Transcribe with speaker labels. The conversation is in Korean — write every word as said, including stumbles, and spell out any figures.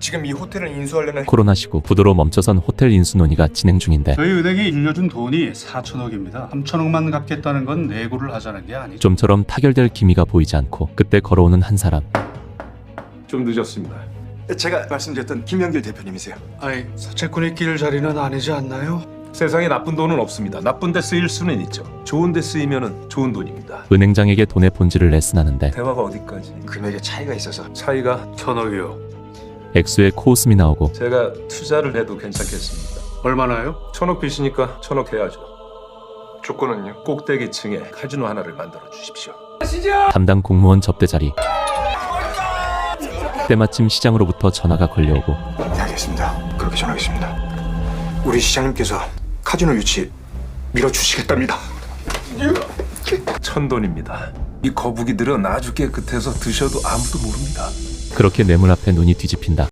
Speaker 1: 지금 이 호텔을 인수하려는
Speaker 2: 코로나 시국 부도로 멈춰선 호텔 인수 논의가 진행 중인데
Speaker 3: 저희 은행이 빌려준 돈이 사천억입니다. 삼천억만 갚겠다는 건 내고를 하자는 게 아니죠.
Speaker 2: 좀처럼 타결될 기미가 보이지 않고 그때 걸어오는 한 사람.
Speaker 4: 좀 늦었습니다.
Speaker 1: 제가 말씀드렸던 김영길 대표님이세요.
Speaker 3: 아니, 사채꾼이 낄 자리는 아니지 않나요?
Speaker 4: 세상에 나쁜 돈은 없습니다. 나쁜 데 쓰일 수는 있죠. 좋은 데 쓰이면은 좋은 돈입니다.
Speaker 2: 은행장에게 돈의 본질을 레슨하는데
Speaker 4: 대화가 어디까지?
Speaker 1: 금액에 차이가 있어서
Speaker 4: 차이가
Speaker 3: 천억이요.
Speaker 2: 액수에 코웃음이 나오고
Speaker 4: 제가 투자를 해도 괜찮겠습니다.
Speaker 3: 얼마나요?
Speaker 4: 천억 빚이니까 천억 해야죠.
Speaker 1: 조건은요?
Speaker 4: 꼭대기층에 카지노 하나를 만들어 주십시오.
Speaker 2: 담당 공무원 접대 자리. 때마침 시장으로부터 전화가 걸려오고
Speaker 1: 네, 알겠습니다. 그렇게 전하겠습니다. 우리 시장님께서 카지노 유치 밀어주시겠답니다.
Speaker 4: 천돈입니다. 이 거북이들은 아주 깨끗해서 드셔도 아무도 모릅니다.
Speaker 2: 그렇게 뇌물 앞에 눈이 뒤집힌다.